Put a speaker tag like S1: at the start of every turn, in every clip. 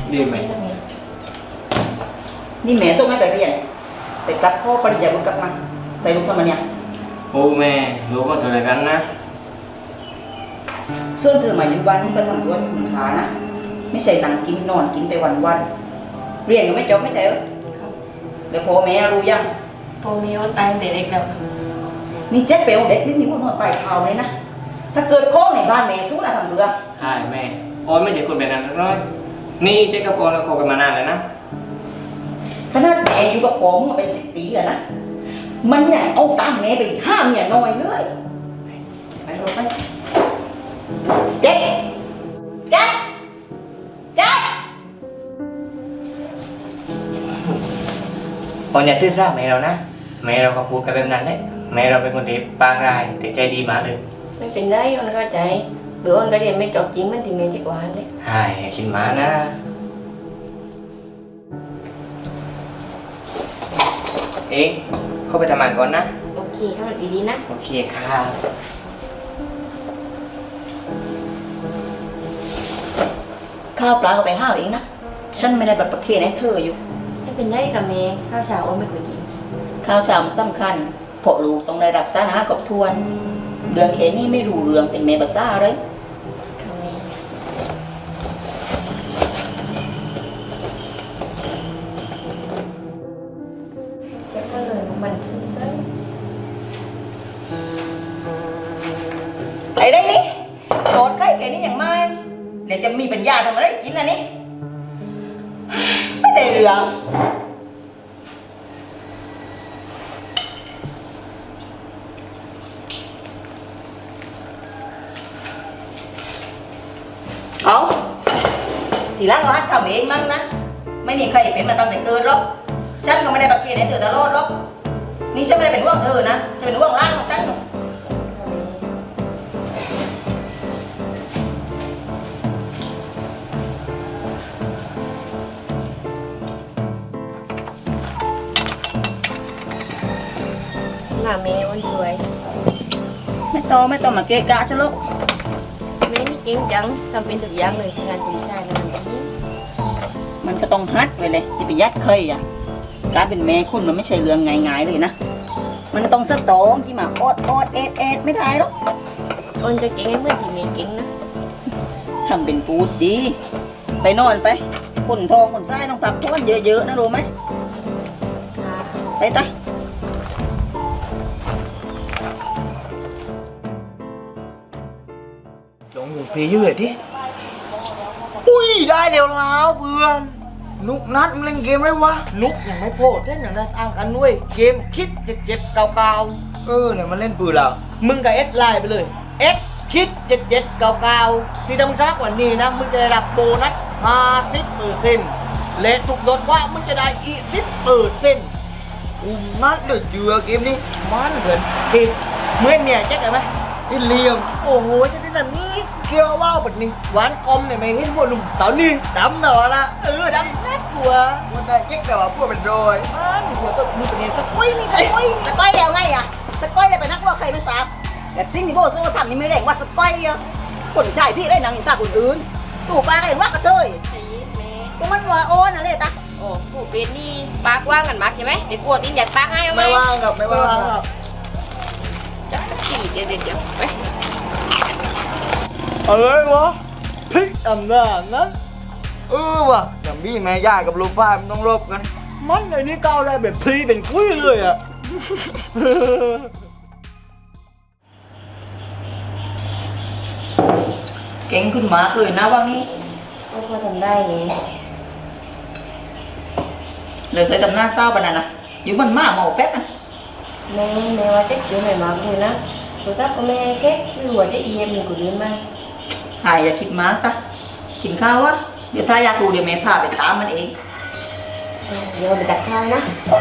S1: ดีไหม
S2: นี่แม่ส่งให้ไปเรียนแต่กลับพ่อปริญญาบุญกลับมาใส่ลูกทำไมเนี่ย
S1: โอ้แม่ลูกก็ตัวเดียวกันนะ
S2: ส่วนเธอมาอยู่บ้านนี่ก็ทำตัวมีคุณค่านะไม่ใช่นั่งกินนอนกินไปวันๆเรียนก็ไม่จบไม่ใช่เหรอเดี๋ยวพ่อแม่รู้ยัง
S3: พ่อแม่วันตายแต่เด็กแล้ว
S2: นี่เจ๊เปียวเด็กไม่มีหัวนอนปลายเท้าเลยนะถ้าเกิดโค้งในบ้านแม่สู้นะทำเรือ
S1: ใช่แม่ออนไม่ใช่คนแบบนั้นสักน้อยนี่เจ๊กับออนเราคบกันมานานเลยนะ
S2: ขนาดแม่อยู่กับผมมาเป็น10 ปีแล้วนะมันเนี่ยเอาตามแม่ไปห้ามเมียน้อยเลยไปเอาไปเจ๊เจ๊เจ๊
S1: ออนอย่าตื้อซ่าแม่เรานะแม่เราก็พูดกันแบบนั้นแหละแม่เราเป็นคนที่ปางร้ายแต่ใจดีมากเลย
S3: ไม่เป็นไรออนเข้าใจหรือออนก็เรียนไม่จบจริงมันที่เมย์จะกว่าเลย
S1: ใช่คิดมานะเอ๊ะเข้าไปทำงานก่อนนะ
S3: โอเคเข้ามาดีๆนะ
S1: โอเคค่ะ
S2: ข้าวปลาก็ไปห้าวเองนะฉันไม่ได้บัตรประเคนให้เธออยู่
S3: ไม่เป็นไรกับเมย์ข้าวเช้าออนไม่เคยกิน
S2: ข้าวเช้ามันสำคัญเพราะลูกต้องได้รับสารอาหารครบถ้วนเรื่องแค่นี้ไม่รู้เรื่องเป็นเมย์ภาษาเลย
S3: จะก็เลยมัน
S2: ไอ้ได้นี่โกรธใกล้แค่นี้อย่างไม่เดี๋ยวจะมีปัญญาทำอะไรกินนะนี่ไม่ได้เรื่องเอาทีหลังเราหัดทำเองมั้งนะไม่มีใครเป็นมาตั้งแต่เกิดหรอกฉันก็ไม่ได้บักเกียร์ให้เธอตลอดหรอกนี่ฉันไม่ได้เป็นห่วงเธอนะฉันเป็นห่วงร่างของฉันหนู
S3: หน้าเมย์วันสวย
S2: ไม่ต้องมาเกะกะฉันหรอก
S3: เมย์นี่เก่งจังทำเป็นทุกอย่างเลยงานคุณชายงานแบบนี้
S2: มันก็ต้องฮัดไว้เลยจะไปยัดเคยอ่ะการเป็นแม่คุณมันไม่ใช่เรื่องง่ายๆเลยนะมันต้องสตองที่มาโอดเอ็ดไม่ได้หรอก
S3: อนจะเก่งให้เมื่อที่เมย์เก่งนะ
S2: ทำเป็นพูดดีไปนอนไปคนทองคนไส้ต้องพักผ่อนเยอะๆนะรู้ไหมไปตา
S4: ลงอยู่เพลย์เยอะที่อุ้ยได้เดี๋ยวแล้วเพื่อนนุกนัดมันเล่นเกมไรวะนุกยังไม่โพดเล่นอย่างไรทางกันด้วยเกมคิดเจ็บเก่าเนี่ยมันเล่นปืนแล้วมึงกับเอสไลน์ไปเลยเอสคิดเจ็บเก่าที่ทำช้ากว่านี้นะมึงจะได้รับโบนัส50%และถูกลดว่ามึงจะได้อีก10%นัดเดือดเจือเกมนี้มันเหมือนเกมเมื่อเนี่ยแจ็คไหมอินเลียมโอ้โหจะได้แบบนี้เกี่ยวว่าวแบบนี้หวานคอมเนี่ยไม่เห็นพวกหนุ่มสาวนี่ดำหน่อละดำแน่กลัวมันได้เก๊กแต่ว่าพวกเป็นโรยหัวต้องมือเป็นเองสก้อยนี่สก้อย
S2: แล้วไงอ่ะสก้อยได้ไปนักว่าใครไม่ทราบแต่สิ่งที่โบโซ่ทำนี่ไม่ได้ว่าสก้อยอ่ะคนชายพี่ได้นางอินตาคนอื่นตู่ปลาก็ยังว่ากระเทยก็มันว่าโอนอะไรตา
S3: โอ้ผู้เป็นนี่ปากว่างกันมากใช่ไหมเดี๋ยวกลัวตีนหยัดปากให้เอาไหม
S4: ไม่ว่างกับ
S3: จับขี่เดี๋ยวไป
S4: อะไรวะพลิกอำนาจนั้นว่ะอย่างพี่แม่ย่ากับลูกป้ามันต้องรบกันมันในนี้ก้าวได้แบบพลีเป็นกุ้ยเลยอ่ะ
S2: เก่งขึ้นมากเลยนะวันนี้
S3: ก็พอทำได้ไง
S2: เลยเคยทำหน้าเศร้าปะนั่นนะอยู่บนม้าหมอแฟบนะ
S3: แม่ว่าเจ๊เดี๋ยวแม่มาคุยนะโทรศัพท์ก็แม่เช็คไม่รู้ว่าจะเอ็มหรือกูลืมไหม
S2: หายอย่าคิดมากตากินข้าววะเดี๋ยวถ้าอยากรู้เดี๋ยวแม่พาไปตามมันเอง
S3: เดี๋ยวไปตักข้าวนะ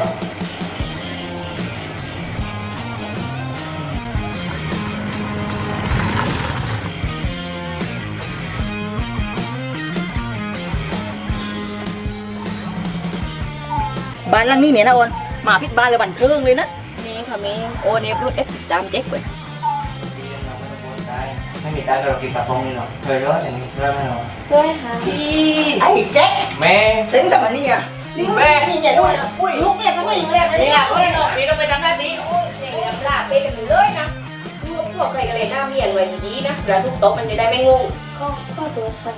S2: บ้านหลังนี้เนี่ยนะโอนมาพิษบ้านเลยบันเทิงเลยนะ
S3: เมย์ค่ะเมย์โอเนฟรุ่น F13 เจ๊กเว้ย
S1: ผไม่มีตังค์ก็เรากินปลาพงนี่หรอกเคยร้อยแต่ไม่เริ่มไม่หรอก
S3: ด้วยค่ะ
S2: ไอ้แจ็ค
S1: แม่
S2: เซ็งกับมันนี่อ่ะนี่มึงนี่เนี่ยด้วยนะอุ้ยลูกเนี่ยก็ไม่อยู่แล้วนะ
S1: นี่
S2: เนี่ย
S1: ก็ได้หรอกพี่ต้องไปทำหน้าที่
S3: โอ้ยเนี่ยลำลาไปกันเลยนะพวกใครกันเลยหน้าเมียนไว้ดีๆนะเวลาทุกโต๊ะมันจะได้ไม่งงข้อตัวกัน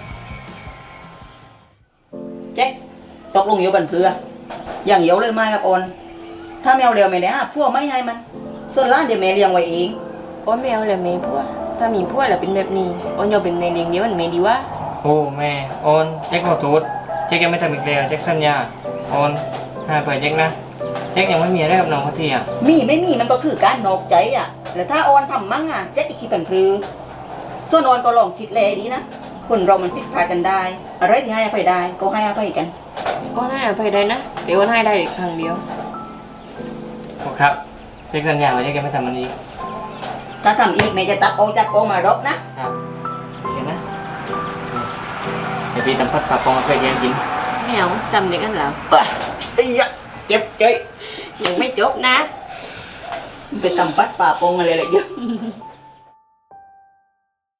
S2: แจ็คตกลงอยู่บันเพืออย่างเดียวเลยมากับออนถ้าแมวเลี้ยวไม่ได้พวกไม่ให้มัน ส่วนล้านเดี๋ยวแม่เลี้ยงไว้เอง
S3: โอ้ยแมวเลยแม่พัวถ้ามีพัวแล้วเป็นแบบนี้โอ้ยยอมเป็นแม่เลี้ยงเดียวมันแม่ดีวะ
S1: โอ้แม่โอนแจ็คขอโทษแจ็คยังไม่ทำอีกแล้วแจ็คสัญญาโอนให้เปิดแจ็คนะแจ็คยังไม่มีอะไรกับน้องเขาทีอ่ะ
S2: มีไม่มีมันก็คือการนอกใจอ่ะแล้วถ้าออนทำมั่งอ่ะแจ็คอีกทีบันพลือส่วนออนก็ลองคิดแลดีนะคนเรามันผิดพลาดกันได้ อะไรที่ให้อภัยได้ก็ให้อภัยกัน
S3: โอ้ยให้อภัยได้นะเดี๋ยวให้ได้อีกครั้งเดียว
S1: โอ้ครับแจ็คสัญญาว่าแจ็คยังไม่ทำมันอีก
S2: ถ้าทำอีกแม่จะตัดออกจากกองมารบนะครับ
S1: เห็นนะเดี๋ยวพี่ทำพัดปลาพงมาเคยแย่งกิน
S3: แมวจำเด็กกันแล้ว
S2: ไอ้ยะ
S1: เจ็บใจ
S3: ยังไม่จบนะ
S2: ไปทำปัดป่าโปงอะไรเลยเยอะ